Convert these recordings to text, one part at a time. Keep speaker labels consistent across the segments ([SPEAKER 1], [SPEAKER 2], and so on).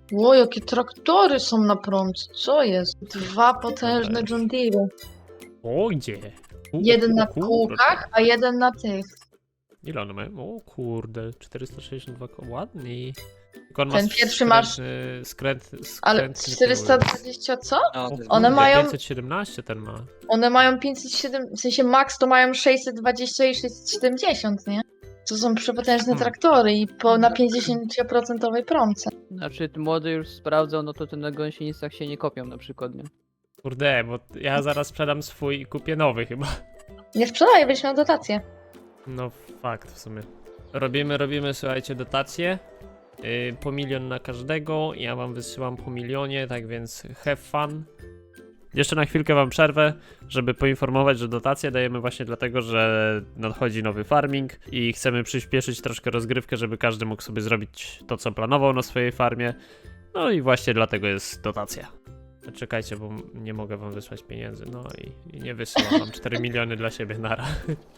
[SPEAKER 1] O, jakie traktory są na promce, co jest? Dwa potężne John Deere.
[SPEAKER 2] O, gdzie?
[SPEAKER 1] Jeden na
[SPEAKER 2] kurde.
[SPEAKER 1] kółkach, a jeden na tych.
[SPEAKER 2] Ile one mają? O kurde, 462 ładny. Tylko on
[SPEAKER 1] Ten
[SPEAKER 2] ma
[SPEAKER 1] pierwszy masz-
[SPEAKER 2] skrętny
[SPEAKER 1] Ale
[SPEAKER 2] tył.
[SPEAKER 1] 420 co?
[SPEAKER 3] No, to jest
[SPEAKER 1] One
[SPEAKER 3] głupie.
[SPEAKER 1] mają-
[SPEAKER 2] 517 ten ma.
[SPEAKER 1] One mają 507, w sensie max to mają 620 i 670, nie? To są przepotężne traktory i na 50% promce.
[SPEAKER 4] Znaczy, młody już sprawdzał, no to te na gąsienicach się nie kopią na przykład, nie?
[SPEAKER 2] Kurde, bo ja zaraz sprzedam swój i kupię nowy chyba.
[SPEAKER 1] Nie sprzedaję, będziesz miał dotację.
[SPEAKER 2] No fakt w sumie. Robimy, słuchajcie, dotacje. Po 1 000 000 na każdego. Ja wam wysyłam po 1 000 000, tak więc have fun. Jeszcze na chwilkę wam przerwę, żeby poinformować, że dotacje dajemy właśnie dlatego, że nadchodzi nowy farming i chcemy przyspieszyć troszkę rozgrywkę, żeby każdy mógł sobie zrobić to, co planował na swojej farmie. No i właśnie dlatego jest dotacja. Czekajcie, bo nie mogę wam wysłać pieniędzy, no i nie wysyłam, mam 4 miliony dla siebie nara.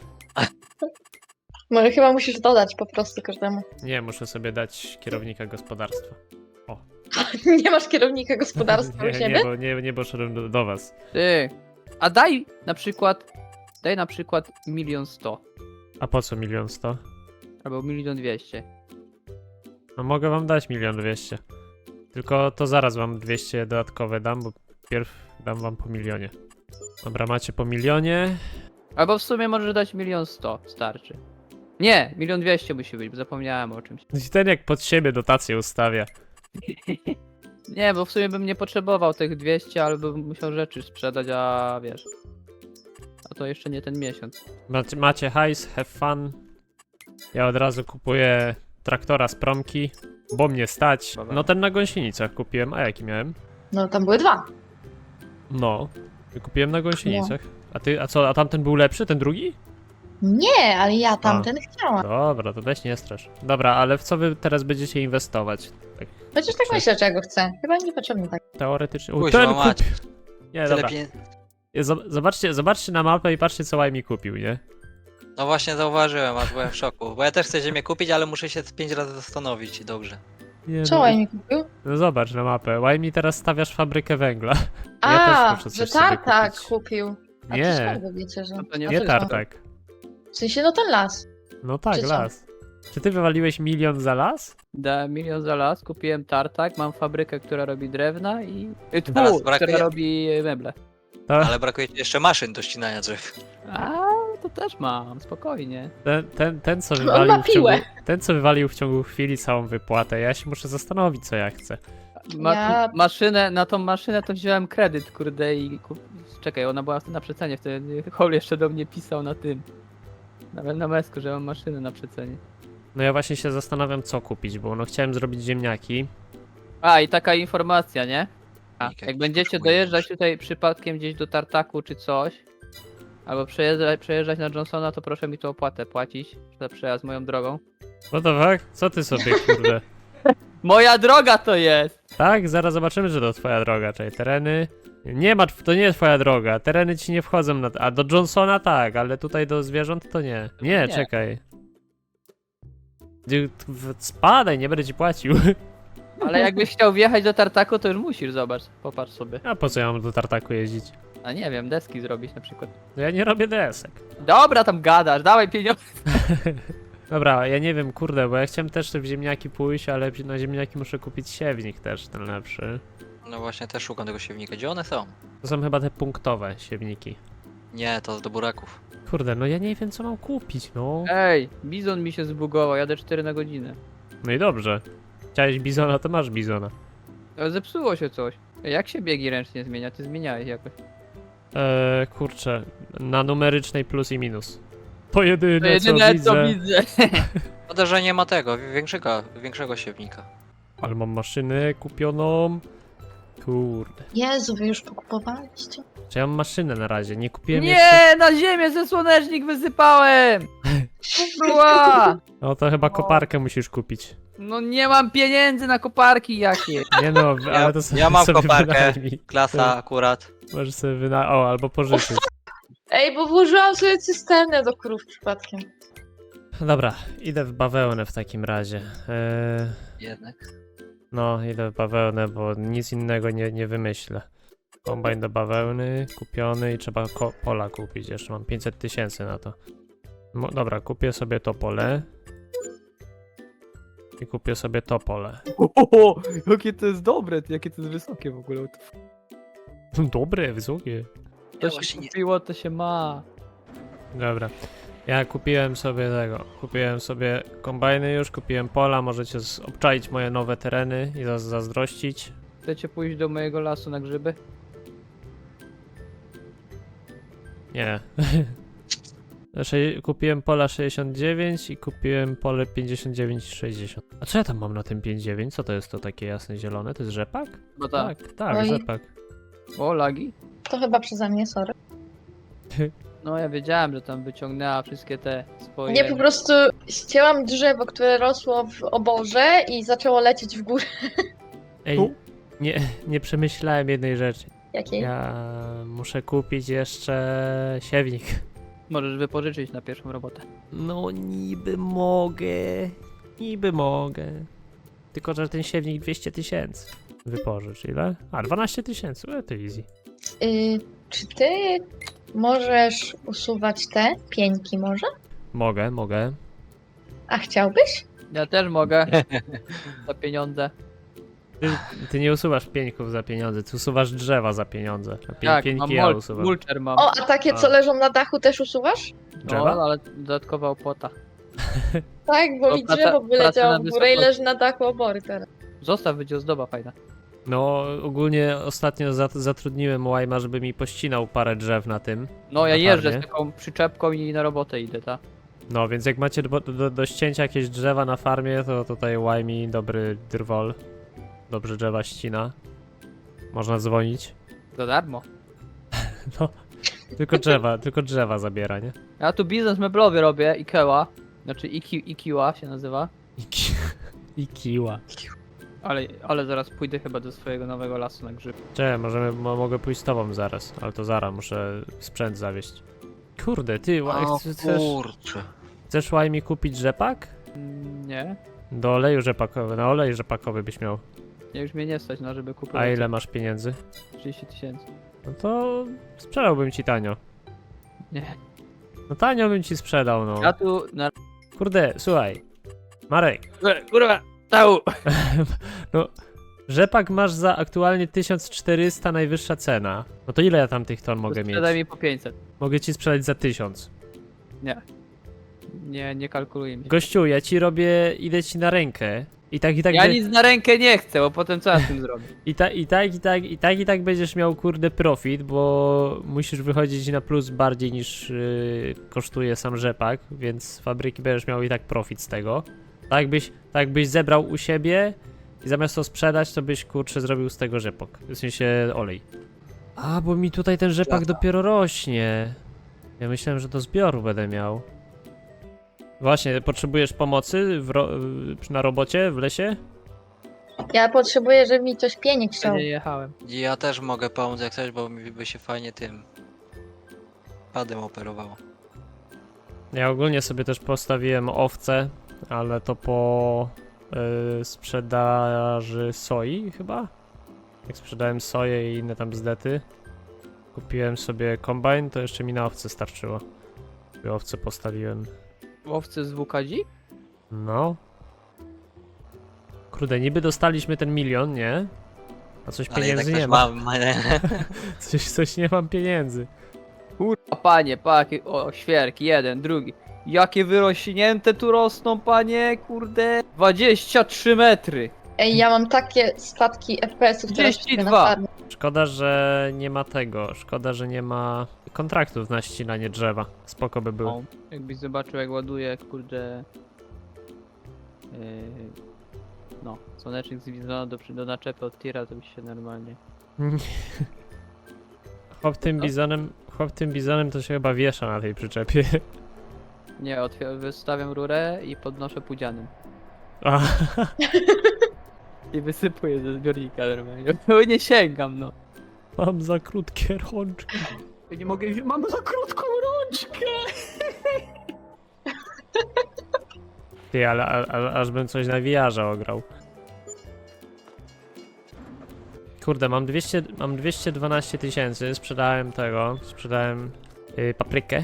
[SPEAKER 1] Może chyba musisz dodać po prostu każdemu.
[SPEAKER 2] Nie, muszę sobie dać kierownika gospodarstwa.
[SPEAKER 1] Nie masz kierownika gospodarstwa u
[SPEAKER 2] Nie,
[SPEAKER 1] siebie?
[SPEAKER 2] nie poszedłem do was.
[SPEAKER 4] Ty, a daj na przykład 1 100 000,
[SPEAKER 2] A po co 1 100 000?
[SPEAKER 4] albo 1 200 000.
[SPEAKER 2] No mogę wam dać 1 200 000. Tylko to zaraz wam 200 dodatkowe dam, bo pierw dam wam po 1 000 000. Dobra, macie po 1 000 000.
[SPEAKER 4] Albo w sumie możesz dać 1 100 000, starczy. Nie, 1 200 000 musi być, bo zapomniałem o czymś.
[SPEAKER 2] I ten jak pod siebie dotację ustawia.
[SPEAKER 4] Nie, bo w sumie bym nie potrzebował tych 200, ale bym musiał rzeczy sprzedać, a wiesz. A to jeszcze nie ten miesiąc.
[SPEAKER 2] Macie hajs, have fun. Ja od razu kupuję traktora z promki, bo mnie stać.
[SPEAKER 4] Dobra.
[SPEAKER 2] No ten na gąsienicach kupiłem, a jaki miałem?
[SPEAKER 1] No tam były dwa.
[SPEAKER 2] No, kupiłem na gąsienicach. A co, a tamten był lepszy, ten drugi?
[SPEAKER 1] Nie, ale ja tamten chciałam.
[SPEAKER 2] Dobra, to weź nie strasz. Dobra, ale w co wy teraz będziecie inwestować? Tak
[SPEAKER 1] Chociaż tak myślę, czego chcę. Chyba niepotrzebnie tak.
[SPEAKER 2] teoretycznie. O,
[SPEAKER 3] Kuźwa,
[SPEAKER 2] ten
[SPEAKER 3] mać.
[SPEAKER 2] kupił! Nie,
[SPEAKER 3] Tyle
[SPEAKER 2] dobra.
[SPEAKER 3] pieniędzy.
[SPEAKER 2] Zobaczcie na mapę i patrzcie, co Łajmi kupił, nie?
[SPEAKER 3] No właśnie zauważyłem, aż byłem w szoku. Bo ja też chcę ziemię kupić, ale muszę się 5 razy zastanowić i dobrze.
[SPEAKER 2] Nie,
[SPEAKER 1] Co mi kupił?
[SPEAKER 2] No zobacz na mapę. Łajmi teraz stawiasz fabrykę węgla.
[SPEAKER 1] A,
[SPEAKER 2] muszę coś
[SPEAKER 1] że
[SPEAKER 2] sobie
[SPEAKER 1] tartak
[SPEAKER 2] kupić.
[SPEAKER 1] kupił. A
[SPEAKER 2] Nie.
[SPEAKER 1] to skąd wy wiecie, że...
[SPEAKER 4] No to nie
[SPEAKER 1] A
[SPEAKER 2] Nie
[SPEAKER 1] co
[SPEAKER 2] tartak.
[SPEAKER 1] W sensie, no ten las.
[SPEAKER 2] No tak,
[SPEAKER 1] Czy co?
[SPEAKER 2] las. Czy ty wywaliłeś 1 000 000 za las?
[SPEAKER 4] Dałem 1 000 000 za las, kupiłem tartak, mam fabrykę, która robi drewna i...
[SPEAKER 3] Teraz brakuje-
[SPEAKER 4] która robi meble.
[SPEAKER 2] To
[SPEAKER 3] Ale brakuje ci jeszcze maszyn do ścinania drzew.
[SPEAKER 4] A, to też mam, spokojnie.
[SPEAKER 2] ten co
[SPEAKER 1] On
[SPEAKER 2] wywalił
[SPEAKER 1] ma piłę.
[SPEAKER 2] ten, co wywalił w ciągu chwili całą wypłatę. Ja się muszę zastanowić, co ja chcę.
[SPEAKER 1] Ja-
[SPEAKER 4] Maszynę, na tą maszynę to wziąłem kredyt, kurde, i czekaj, ona była na przecenie, wtedy Hol jeszcze do mnie pisał na tym. Nawet na mesku, że mam maszynę na przecenie.
[SPEAKER 2] No ja właśnie się zastanawiam, co kupić, bo no chciałem zrobić ziemniaki.
[SPEAKER 4] A, i taka informacja, nie? A,
[SPEAKER 3] Jak
[SPEAKER 4] jak będziecie
[SPEAKER 3] potrzebuję
[SPEAKER 4] dojeżdżać
[SPEAKER 3] maszy.
[SPEAKER 4] tutaj przypadkiem gdzieś do Tartaku czy coś, albo przejeżdżać na Johnsona, to proszę mi tu opłatę płacić za przejazd moją drogą.
[SPEAKER 2] What the fuck? Co ty sobie, kurde?
[SPEAKER 4] Moja droga to jest!
[SPEAKER 2] Tak? Zaraz zobaczymy, że to twoja droga, czyli tereny... Nie ma, to nie jest twoja droga, tereny ci nie wchodzą na... A do Johnsona tak, ale tutaj do zwierząt to nie. Nie,
[SPEAKER 4] Nie.
[SPEAKER 2] czekaj. Spadaj, nie będę ci płacił.
[SPEAKER 4] Ale jakbyś chciał wjechać do Tartaku, to już musisz, zobacz, popatrz sobie.
[SPEAKER 2] A po co ja mam do Tartaku jeździć?
[SPEAKER 4] A nie wiem, deski zrobić na przykład.
[SPEAKER 2] No ja nie robię desek.
[SPEAKER 4] Dobra, tam gadasz, dawaj pieniądze.
[SPEAKER 2] Dobra, ja nie wiem, kurde, bo ja chciałem też w ziemniaki pójść, ale na ziemniaki muszę kupić siewnik też, ten lepszy.
[SPEAKER 3] No właśnie też szukam tego siewnika. Gdzie one są?
[SPEAKER 2] To są chyba te punktowe siewniki.
[SPEAKER 3] Nie, to do buraków.
[SPEAKER 2] Kurde, no ja nie wiem, co mam kupić, no.
[SPEAKER 4] Ej, bizon mi się zbugował, jadę 4 na godzinę.
[SPEAKER 2] No i dobrze. Chciałeś bizona, to masz bizona.
[SPEAKER 4] Ale zepsuło się coś. Ej, jak się biegi ręcznie zmienia? Ty zmieniałeś jakoś.
[SPEAKER 2] Kurczę, na numerycznej plus i minus. To jedyne,
[SPEAKER 4] To jedyne
[SPEAKER 2] co
[SPEAKER 4] co
[SPEAKER 2] widzę.
[SPEAKER 4] widzę.
[SPEAKER 3] Szkoda, że nie ma tego, większego siewnika.
[SPEAKER 2] Ale mam maszynę kupioną. Kurde.
[SPEAKER 1] Jezu, wy już pokupowaliście?
[SPEAKER 2] Czy ja mam maszynę na razie? Nie kupiłem jeszcze.
[SPEAKER 4] Nie, na ziemię ze słonecznik wysypałem! Była!
[SPEAKER 2] No to chyba koparkę musisz kupić.
[SPEAKER 4] No nie mam pieniędzy na koparki jakie.
[SPEAKER 2] Nie no, ale to sobie,
[SPEAKER 3] ja mam
[SPEAKER 2] sobie
[SPEAKER 3] koparkę.
[SPEAKER 2] wynajmij.
[SPEAKER 3] Klasa akurat.
[SPEAKER 2] Możesz sobie O, albo pożyczyć.
[SPEAKER 1] Ej, bo włożyłam sobie cysternę do krów przypadkiem.
[SPEAKER 2] Dobra, idę w bawełnę w takim razie.
[SPEAKER 3] Jednak.
[SPEAKER 2] No, idę w bawełnę, bo nic innego nie wymyślę. Kombajn do bawełny, kupiony i trzeba pola kupić. Jeszcze mam 500 000 na to. Dobra, kupię sobie to pole. I kupię sobie to pole.
[SPEAKER 4] O, jakie to jest dobre, jakie to jest wysokie w ogóle.
[SPEAKER 2] Dobre, wysokie.
[SPEAKER 4] To
[SPEAKER 3] właśnie
[SPEAKER 4] się
[SPEAKER 3] nie-
[SPEAKER 4] kupiło, to się ma.
[SPEAKER 2] Dobra. Ja kupiłem sobie tego. Kupiłem sobie kombajny już, kupiłem pola. Możecie obczaić moje nowe tereny i zazdrościć.
[SPEAKER 4] Chcecie pójść do mojego lasu na grzyby?
[SPEAKER 2] Nie. Kupiłem pola 69 i kupiłem pole 59 i 60. A co ja tam mam na tym 59? Co to jest to takie jasne zielone? To jest rzepak?
[SPEAKER 4] No tak.
[SPEAKER 2] Tak,
[SPEAKER 1] Oj.
[SPEAKER 2] rzepak.
[SPEAKER 4] O, lagi?
[SPEAKER 1] To chyba przeze mnie, sorry.
[SPEAKER 4] No ja wiedziałem, że tam wyciągnęła wszystkie te swoje...
[SPEAKER 1] Nie, po prostu ścięłam drzewo, które rosło w oborze i zaczęło lecieć w górę.
[SPEAKER 2] Ej,
[SPEAKER 4] Tu?
[SPEAKER 2] nie przemyślałem jednej rzeczy.
[SPEAKER 1] Jakiej?
[SPEAKER 2] Ja muszę kupić jeszcze siewnik.
[SPEAKER 4] Możesz wypożyczyć na pierwszą robotę.
[SPEAKER 2] No niby mogę. Niby mogę. Tylko, że ten siewnik 200 000. Wypożycz ile? A, 12 000. To easy.
[SPEAKER 1] Czy ty możesz usuwać te pieńki może?
[SPEAKER 2] Mogę.
[SPEAKER 1] A chciałbyś?
[SPEAKER 4] Ja też mogę. Za pieniądze.
[SPEAKER 2] Ty nie usuwasz pieńków za pieniądze, ty usuwasz drzewa za pieniądze. A
[SPEAKER 4] Tak,
[SPEAKER 2] pieńki
[SPEAKER 4] mam
[SPEAKER 2] ja usuwam.
[SPEAKER 4] mulcher mam.
[SPEAKER 1] O, a takie, co
[SPEAKER 2] A.
[SPEAKER 1] leżą na dachu, też usuwasz?
[SPEAKER 2] Drzewa?
[SPEAKER 4] No, ale dodatkowa opłata.
[SPEAKER 1] Tak, bo
[SPEAKER 4] To
[SPEAKER 1] mi
[SPEAKER 4] praca-
[SPEAKER 1] drzewo
[SPEAKER 4] praca
[SPEAKER 1] wyleciało
[SPEAKER 4] na
[SPEAKER 1] w górę i
[SPEAKER 4] wysokości.
[SPEAKER 1] leży na dachu obory teraz.
[SPEAKER 4] Zostaw, będzie ozdoba fajna.
[SPEAKER 2] No, ogólnie ostatnio zatrudniłem Łajma, żeby mi pościnał parę drzew na tym.
[SPEAKER 4] No ja
[SPEAKER 2] Na
[SPEAKER 4] jeżdżę
[SPEAKER 2] farmie?
[SPEAKER 4] z taką przyczepką i na robotę idę, tak?
[SPEAKER 2] No, więc jak macie do ścięcia jakieś drzewa na farmie, to tutaj Łajmi dobry drwol. Dobrze drzewa ścina. Można dzwonić.
[SPEAKER 4] Za darmo.
[SPEAKER 2] No, tylko drzewa zabiera, nie?
[SPEAKER 4] Ja tu biznes meblowy robię, Ikea. Znaczy Ikiła się nazywa.
[SPEAKER 2] I kiła.
[SPEAKER 4] Ale zaraz pójdę chyba do swojego nowego lasu na grzyb.
[SPEAKER 2] Cześć, mogę pójść z tobą zaraz, ale to zaraz, muszę sprzęt zawieźć. Kurde, ty,
[SPEAKER 3] O
[SPEAKER 2] chcesz
[SPEAKER 3] kurczę.
[SPEAKER 2] Łajmi kupić rzepak?
[SPEAKER 4] Nie.
[SPEAKER 2] Do oleju rzepakowy, na olej rzepakowy byś miał.
[SPEAKER 4] Ja już mnie nie stać, no żeby kupić.
[SPEAKER 2] A ile masz pieniędzy?
[SPEAKER 4] 30 000.
[SPEAKER 2] No to sprzedałbym ci tanio.
[SPEAKER 4] Nie.
[SPEAKER 2] No tanio bym ci sprzedał, no.
[SPEAKER 4] Ja tu na...
[SPEAKER 2] Kurde, słuchaj. Marek,
[SPEAKER 4] Kurwa! Tau!
[SPEAKER 2] rzepak masz za aktualnie 1400 najwyższa cena. No to ile ja tam tych ton mogę mieć?
[SPEAKER 4] Sprzedaj mi po 500.
[SPEAKER 2] Mogę ci sprzedać za 1000.
[SPEAKER 4] Nie kalkuluję mi się.
[SPEAKER 2] Gościu, ja ci robię, idę ci na rękę. I tak
[SPEAKER 4] Ja nic na rękę nie chcę, bo potem co ja z tym zrobię?
[SPEAKER 2] I tak będziesz miał kurde profit, bo musisz wychodzić na plus bardziej niż kosztuje sam rzepak, więc z fabryki będziesz miał i tak profit z tego. Tak byś zebrał u siebie i zamiast to sprzedać, to byś kurczę zrobił z tego rzepak. W sensie olej. A, bo mi tutaj ten rzepak
[SPEAKER 3] Lata.
[SPEAKER 2] dopiero rośnie. Ja myślałem, że do zbioru będę miał. Właśnie, potrzebujesz pomocy na robocie w lesie?
[SPEAKER 1] Ja potrzebuję, żeby mi coś pieniek chciał.
[SPEAKER 4] Nie jechałem.
[SPEAKER 3] Ja też mogę pomóc jak coś, bo mi by się fajnie tym padem operowało.
[SPEAKER 2] Ja ogólnie sobie też postawiłem owce, ale to po sprzedaży soi chyba? Jak sprzedałem soję i inne tam bzdety, kupiłem sobie kombajn, to jeszcze mi na owce starczyło. I owce postawiłem.
[SPEAKER 4] Łowcy z WKG?
[SPEAKER 2] No. Kurde, niby dostaliśmy ten 1 000 000, nie? A coś
[SPEAKER 3] Ale jednak
[SPEAKER 2] pieniędzy
[SPEAKER 3] też
[SPEAKER 2] nie ma.
[SPEAKER 3] mam.
[SPEAKER 2] Coś nie mam pieniędzy.
[SPEAKER 4] Kurwa, panie, paki, o, świerki, jeden, drugi. Jakie wyrośnięte tu rosną, panie, kurde. 23 metry.
[SPEAKER 1] Ej, ja mam takie spadki FPS-ów teraz
[SPEAKER 4] 32.
[SPEAKER 1] na farmie.
[SPEAKER 2] Szkoda, że nie ma tego. Szkoda, że nie ma kontraktów na ścinanie drzewa. Spoko by było.
[SPEAKER 4] O, jakbyś zobaczył, jak ładuje, kurde. No, słonecznik z Wizona do naczepy od tira, to byś się normalnie.
[SPEAKER 2] Chłop tym bizonem to się chyba wiesza na tej przyczepie.
[SPEAKER 4] Nie, wystawiam rurę i podnoszę pudzianem.
[SPEAKER 2] A,
[SPEAKER 4] I wysypuję ze zbiornika normalnie. Bo nie sięgam, no.
[SPEAKER 2] mam za krótkie rączki.
[SPEAKER 4] Ja nie mogę, mam za krótką rączkę!
[SPEAKER 2] Ty, ale aż bym coś na VR-ze ograł. Kurde, mam 212 tysięcy, sprzedałem paprykę.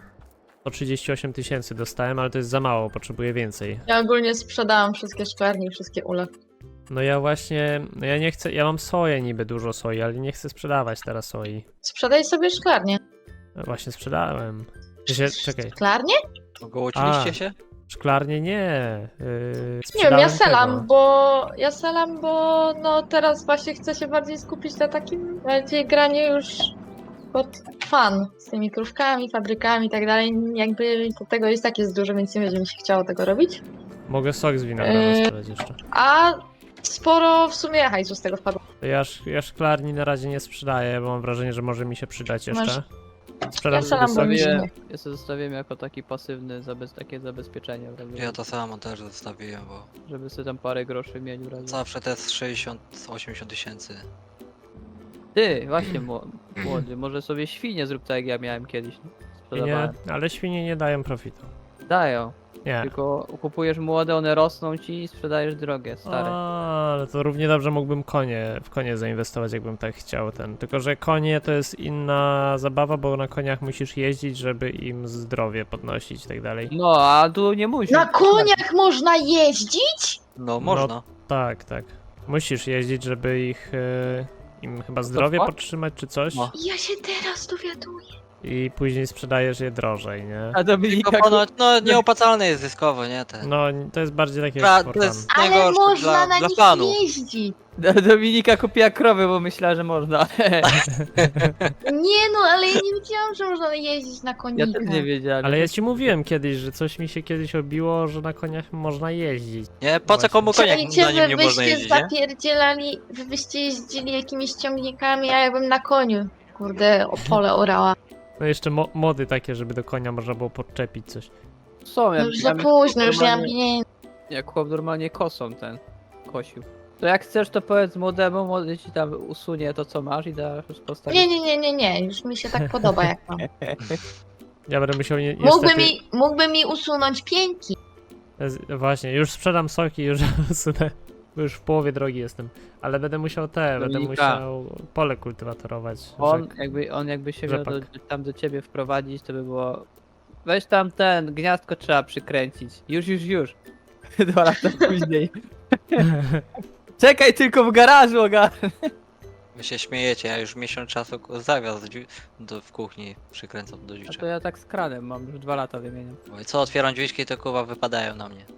[SPEAKER 2] 138 tysięcy dostałem, ale to jest za mało, potrzebuję więcej.
[SPEAKER 1] Ja ogólnie sprzedałam wszystkie szklarnie i wszystkie ule.
[SPEAKER 2] No ja właśnie, no ja nie chcę, ja mam soję niby, dużo soi, ale nie chcę sprzedawać teraz soi.
[SPEAKER 1] Sprzedaj sobie szklarnię.
[SPEAKER 2] No właśnie sprzedałem. Czekaj,
[SPEAKER 1] Szklarnię?
[SPEAKER 3] Ogołociliście się?
[SPEAKER 2] szklarnie nie.
[SPEAKER 1] Nie wiem, ja
[SPEAKER 2] sprzedałem
[SPEAKER 1] selam, bo no teraz właśnie chcę się bardziej skupić na takim bardziej graniu już pod fan z tymi krówkami, fabrykami i tak dalej. Jakby to tego jest tak jest dużo, więc nie będzie mi się chciało tego robić.
[SPEAKER 2] Mogę sok z winogrona sprzedać jeszcze.
[SPEAKER 1] A sporo w sumie hajsu z tego wpadło.
[SPEAKER 2] To ja szklarni na razie nie sprzedaję, bo mam wrażenie, że może mi się przydać jeszcze.
[SPEAKER 1] Masz-
[SPEAKER 2] Sprzedam
[SPEAKER 1] Ja
[SPEAKER 2] sobie
[SPEAKER 1] sam
[SPEAKER 2] sok.
[SPEAKER 1] bym-
[SPEAKER 4] Ja sobie zostawiłem jako taki pasywny, takie zabezpieczenie, w razie,
[SPEAKER 3] Ja to samo też zostawiłem, bo
[SPEAKER 4] żeby sobie tam parę groszy mieć w razie.
[SPEAKER 3] zawsze te z 60-80 tysięcy.
[SPEAKER 4] Ty, właśnie młody, może sobie świnie zrób tak jak ja miałem kiedyś.
[SPEAKER 2] Nie,
[SPEAKER 4] Sprzedawałem.
[SPEAKER 2] ale świnie nie dają profitu.
[SPEAKER 4] Dają,
[SPEAKER 2] Nie.
[SPEAKER 4] tylko kupujesz młode, one rosną ci i sprzedajesz drogie, stare.
[SPEAKER 2] Ale to równie dobrze mógłbym w konie zainwestować, jakbym tak chciał Tylko, że konie to jest inna zabawa, bo na koniach musisz jeździć, żeby im zdrowie podnosić i tak dalej.
[SPEAKER 4] No, a tu nie musisz.
[SPEAKER 1] Na koniach można jeździć?
[SPEAKER 3] No można.
[SPEAKER 2] Tak. Musisz jeździć, żeby im chyba zdrowie
[SPEAKER 4] co?
[SPEAKER 2] podtrzymać czy coś.
[SPEAKER 3] No.
[SPEAKER 1] Ja się teraz dowiaduję.
[SPEAKER 2] I później sprzedajesz je drożej, nie?
[SPEAKER 4] A Dominika,
[SPEAKER 3] Tylko ponoć, no nieopłacalne jest zyskowo, nie? Te.
[SPEAKER 2] No, to jest bardziej takie
[SPEAKER 3] Pra-
[SPEAKER 2] jak
[SPEAKER 3] to
[SPEAKER 2] for fun.
[SPEAKER 3] jest
[SPEAKER 1] Ale
[SPEAKER 3] najgorsze
[SPEAKER 1] można na
[SPEAKER 3] dla
[SPEAKER 1] nich
[SPEAKER 3] fanu.
[SPEAKER 1] jeździć.
[SPEAKER 4] Dominika kupiła krowy, bo myślała, że można.
[SPEAKER 1] Nie no, ale ja nie wiedziałam, że można jeździć na
[SPEAKER 4] Ja
[SPEAKER 1] konikach.
[SPEAKER 4] też nie wiedziałem.
[SPEAKER 2] Ale ja ci mówiłem kiedyś, że coś mi się kiedyś obiło, że na koniach można jeździć.
[SPEAKER 3] Nie? Po co
[SPEAKER 2] Właśnie.
[SPEAKER 3] komu koniak
[SPEAKER 1] Czajcie,
[SPEAKER 3] na nim nie
[SPEAKER 1] wy
[SPEAKER 3] można
[SPEAKER 1] byście
[SPEAKER 3] jeździć, nie?
[SPEAKER 1] zapierdzielali, wy byście jeździli jakimiś ciągnikami, a ja bym na koniu. Kurde, o pole orała.
[SPEAKER 2] No jeszcze mody takie, żeby do konia można było podczepić coś.
[SPEAKER 4] Są,
[SPEAKER 1] No
[SPEAKER 4] jak,
[SPEAKER 1] już za późno, już nie mam pieniędzy.
[SPEAKER 4] jak chłop normalnie kosą kosił. To jak chcesz, to powiedz młodemu, młody ci tam usunie to, co masz i da już postawić.
[SPEAKER 1] Nie, już mi się tak podoba jak mam.
[SPEAKER 2] Ja będę musiał niestety...
[SPEAKER 1] Mógłby mi usunąć pięki.
[SPEAKER 2] Właśnie, już sprzedam soki, już usunę, bo już w połowie drogi jestem. Ale będę musiał będę
[SPEAKER 4] Dominika.
[SPEAKER 2] musiał pole kultywatorować.
[SPEAKER 4] On jakby się miał
[SPEAKER 2] rzepak.
[SPEAKER 4] tam do ciebie wprowadzić, to by było... Weź tam gniazdko trzeba przykręcić. Już. 2 lata później. Czekaj tylko w garażu,
[SPEAKER 3] Wy się śmiejecie, ja już miesiąc czasu zawias w kuchni przykręcam do
[SPEAKER 4] A
[SPEAKER 3] drzwiczek.
[SPEAKER 4] to ja tak z kranem mam, już 2 lata wymieniam.
[SPEAKER 3] Oj, co otwieram drzwiczki, to kurwa wypadają na mnie.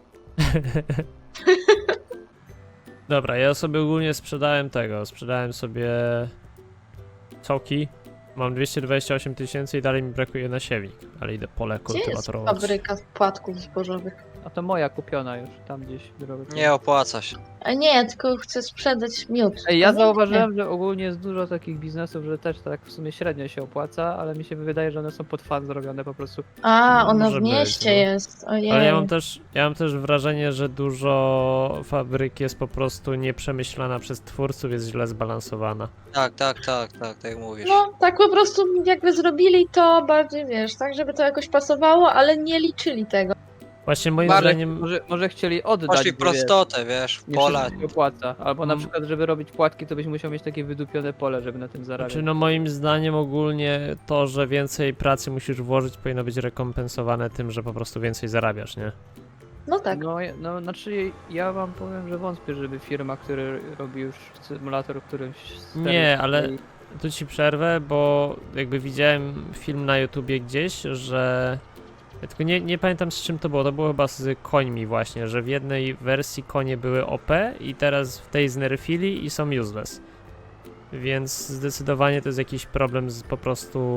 [SPEAKER 2] Dobra, ja sobie ogólnie sprzedałem sobie soki. Mam 228 tysięcy i dalej mi brakuje na siewnik, ale idę pole
[SPEAKER 1] Gdzie jest
[SPEAKER 2] kultywatorować.
[SPEAKER 1] fabryka płatków zbożowych?
[SPEAKER 4] A to moja kupiona już, tam gdzieś drogę.
[SPEAKER 3] Nie opłaca się.
[SPEAKER 1] A nie, tylko chcę sprzedać miód.
[SPEAKER 4] Ej, ja
[SPEAKER 1] Nie,
[SPEAKER 4] zauważyłem, że ogólnie jest dużo takich biznesów, że też tak w sumie średnio się opłaca, ale mi się wydaje, że one są pod fan zrobione po prostu.
[SPEAKER 1] A, ona
[SPEAKER 2] Może
[SPEAKER 1] w
[SPEAKER 2] być,
[SPEAKER 1] mieście
[SPEAKER 2] no.
[SPEAKER 1] jest. Ojej.
[SPEAKER 2] Ale ja mam też wrażenie, że dużo fabryk jest po prostu nieprzemyślana przez twórców, jest źle zbalansowana.
[SPEAKER 3] Tak jak mówisz.
[SPEAKER 1] No, tak po prostu jakby zrobili to bardziej, wiesz, tak, żeby to jakoś pasowało, ale nie liczyli tego.
[SPEAKER 2] Właśnie moim
[SPEAKER 3] Bardziej
[SPEAKER 2] zdaniem...
[SPEAKER 4] Może chcieli oddać.
[SPEAKER 3] Poszli
[SPEAKER 4] by,
[SPEAKER 3] prostotę, wiesz, w
[SPEAKER 4] nie
[SPEAKER 3] pola.
[SPEAKER 4] wszystko się opłaca. Albo na
[SPEAKER 2] Mm.
[SPEAKER 4] przykład, żeby robić płatki, to byś musiał mieć takie wydupione pole, żeby na tym zarabiać.
[SPEAKER 2] Znaczy, no moim zdaniem ogólnie to, że więcej pracy musisz włożyć, powinno być rekompensowane tym, że po prostu więcej zarabiasz, nie?
[SPEAKER 1] No tak.
[SPEAKER 4] No, znaczy ja wam powiem, że wątpię, żeby firma, która robi już symulator, którymś
[SPEAKER 2] Nie, ale tu ci przerwę, bo jakby widziałem film na YouTubie gdzieś, że... Ja tylko nie pamiętam z czym to było chyba z końmi właśnie, że w jednej wersji konie były OP i teraz w tej znerfili i są useless. Więc zdecydowanie to jest jakiś problem z po prostu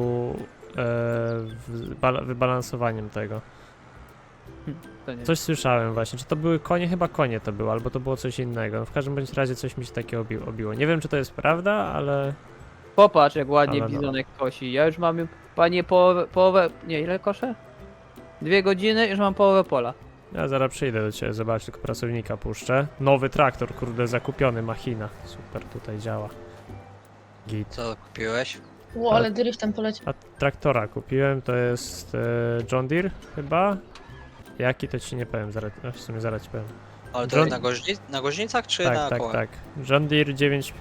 [SPEAKER 2] wybalansowaniem tego.
[SPEAKER 4] To nie.
[SPEAKER 2] Coś słyszałem właśnie, czy to były konie? Chyba konie to było, albo to było coś innego. No w każdym bądź razie coś mi się takiego obiło. Nie wiem, czy to jest prawda, ale...
[SPEAKER 4] Popatrz, jak ładnie
[SPEAKER 2] Ale no.
[SPEAKER 4] bizonek kosi. Ja już mam, panie, połowę... Nie, ile koszę? 2 godziny, już mam połowę pola.
[SPEAKER 2] Ja zaraz przyjdę do ciebie, zobacz, tylko pracownika puszczę. Nowy traktor, kurde, zakupiony, machina. Super, tutaj działa. Git.
[SPEAKER 3] Co kupiłeś?
[SPEAKER 1] Ło, ale driftem poleci.
[SPEAKER 2] A traktora kupiłem, to jest John Deere chyba. Jaki to ci nie powiem, zaraz, w sumie zaraz ci powiem.
[SPEAKER 3] Ale to
[SPEAKER 2] John-
[SPEAKER 3] jest na goźnicach czy
[SPEAKER 2] Tak,
[SPEAKER 3] na
[SPEAKER 2] tak,
[SPEAKER 3] kołach?
[SPEAKER 2] tak. John Deere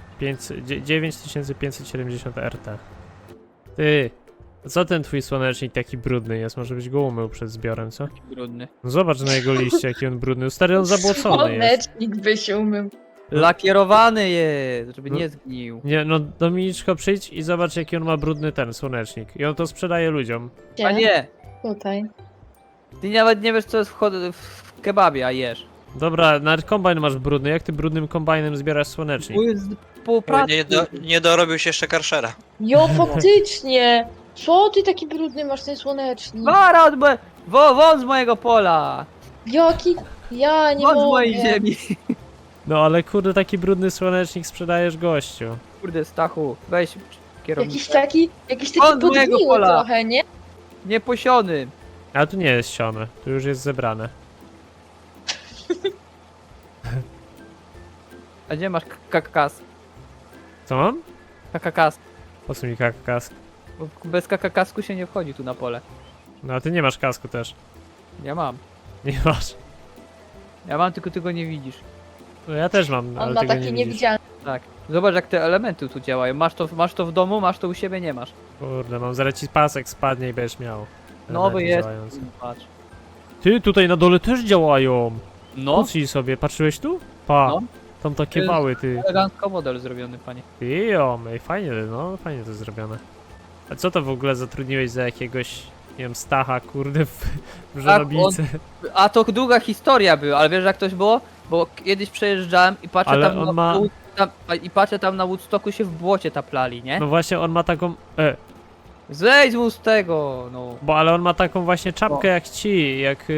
[SPEAKER 2] 9570 RT. Ty, co ten twój słonecznik taki brudny jest? Może być go umył przed zbiorem, co?
[SPEAKER 4] Brudny.
[SPEAKER 2] No zobacz na jego liście, jaki on brudny. Stary, on zabłocony jest.
[SPEAKER 1] Słonecznik by się umył.
[SPEAKER 4] Lakierowany jest, żeby nie zgnił.
[SPEAKER 2] Nie, no Dominiczko, przyjdź i zobacz, jaki on ma brudny ten słonecznik. I on to sprzedaje ludziom.
[SPEAKER 4] A nie,
[SPEAKER 1] Tutaj.
[SPEAKER 4] ty nawet nie wiesz co jest w kebabie, a jesz.
[SPEAKER 2] Dobra, nawet kombajn masz brudny. Jak ty brudnym kombajnem zbierasz słonecznik?
[SPEAKER 4] Tu jest pół pracy.
[SPEAKER 3] Nie dorobił się jeszcze karszera.
[SPEAKER 1] Jo, faktycznie! Co ty taki brudny masz ten słonecznik?
[SPEAKER 4] Wara od won z mojego pola!
[SPEAKER 1] Jaki? Ja nie
[SPEAKER 4] Won z
[SPEAKER 1] mogę.
[SPEAKER 4] mojej ziemi!
[SPEAKER 2] No ale kurde, taki brudny słonecznik sprzedajesz gościu.
[SPEAKER 4] Kurde, Stachu, weź kierownicę.
[SPEAKER 1] Jakiś taki
[SPEAKER 4] On z mojego
[SPEAKER 1] podgniły
[SPEAKER 4] pola.
[SPEAKER 1] trochę, nie?
[SPEAKER 4] Nieposiony!
[SPEAKER 2] A tu nie jest sione, tu już jest zebrane.
[SPEAKER 4] A gdzie masz kakakas?
[SPEAKER 2] Co mam?
[SPEAKER 4] Kakakas.
[SPEAKER 2] Po co mi kask?
[SPEAKER 4] Bo bez kakakasku się nie wchodzi tu na pole.
[SPEAKER 2] No a ty nie masz kasku też.
[SPEAKER 4] Ja mam.
[SPEAKER 2] Nie masz.
[SPEAKER 4] Ja mam, tylko ty go nie widzisz.
[SPEAKER 2] No ja też mam,
[SPEAKER 1] On
[SPEAKER 2] ale
[SPEAKER 1] ma
[SPEAKER 2] tego
[SPEAKER 1] taki
[SPEAKER 2] nie widzisz.
[SPEAKER 1] niewidzialny.
[SPEAKER 4] Tak. Zobacz jak te elementy tu działają. Masz to w domu, masz to u siebie, nie masz.
[SPEAKER 2] Kurde, mam zaraz ci pasek spadnie i będziesz miał.
[SPEAKER 4] Nowy
[SPEAKER 2] Elementy
[SPEAKER 4] jest.
[SPEAKER 2] działające.
[SPEAKER 4] Patrz.
[SPEAKER 2] Ty, tutaj na dole też działają.
[SPEAKER 4] No,
[SPEAKER 2] Pucij sobie, patrzyłeś tu? Pa,
[SPEAKER 4] No.
[SPEAKER 2] tam takie
[SPEAKER 4] jest-
[SPEAKER 2] wały, ty.
[SPEAKER 4] elegancko model zrobiony, panie.
[SPEAKER 2] Ty, ej, fajnie, no, fajnie to zrobione. A co to w ogóle zatrudniłeś za jakiegoś, nie wiem, Stacha, kurde, w żonobijce?
[SPEAKER 4] A to długa historia była, ale wiesz jak to było? Bo kiedyś przejeżdżałem i patrzę
[SPEAKER 2] Ale
[SPEAKER 4] tam
[SPEAKER 2] on
[SPEAKER 4] na
[SPEAKER 2] ma-
[SPEAKER 4] i patrzę tam na Woodstocku się w błocie taplali, nie?
[SPEAKER 2] No właśnie, on ma taką,
[SPEAKER 4] Zejdź mu z tego, no.
[SPEAKER 2] ale on ma taką właśnie czapkę
[SPEAKER 4] No.
[SPEAKER 2] jak ci, jak,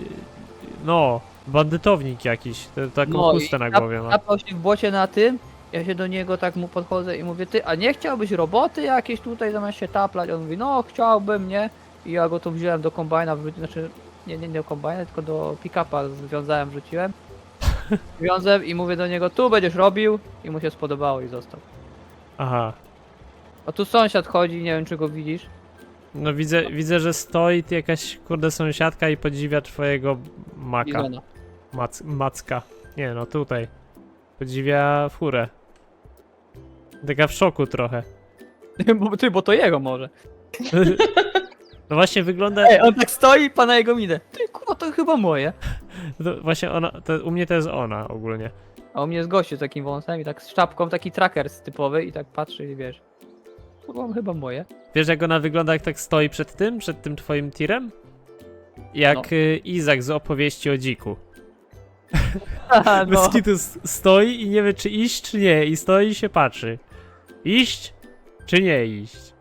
[SPEAKER 2] no, bandytownik jakiś, taką
[SPEAKER 4] No i
[SPEAKER 2] chustę na głowie ma.
[SPEAKER 4] Tapał się w błocie na tym, ja się do niego tak mu podchodzę i mówię, ty, a nie chciałbyś roboty jakieś tutaj zamiast się taplać? On mówi, no chciałbym, nie? I ja go tu wziąłem do kombajna, znaczy, nie do kombajna, tylko do pick-upa związałem, wrzuciłem. Wiązłem i mówię do niego, tu będziesz robił i mu się spodobało i został.
[SPEAKER 2] Aha.
[SPEAKER 4] A tu sąsiad chodzi, nie wiem czy go widzisz.
[SPEAKER 2] No widzę, że stoi tu jakaś, kurde, sąsiadka i podziwia twojego maka.
[SPEAKER 4] Bizona.
[SPEAKER 2] Macka. Nie, no tutaj. Podziwia furę. Taka w szoku trochę.
[SPEAKER 4] Bo to jego może.
[SPEAKER 2] No właśnie wygląda...
[SPEAKER 4] Ej, on tak stoi i pana jego minę. Ty kurwa, to chyba moje.
[SPEAKER 2] To właśnie ona, u mnie to jest ona ogólnie.
[SPEAKER 4] A u mnie jest gościu z takim wąsem i tak z czapką, taki tracker typowy i tak patrzy i wiesz. Kurwa, chyba moje.
[SPEAKER 2] Wiesz jak ona wygląda, jak tak stoi przed tym twoim tirem? Jak
[SPEAKER 4] No.
[SPEAKER 2] Izak z opowieści o dziku.
[SPEAKER 4] Aha, no.
[SPEAKER 2] Bez kitu stoi i nie wie czy iść czy nie i stoi i się patrzy. Iść czy nie iść?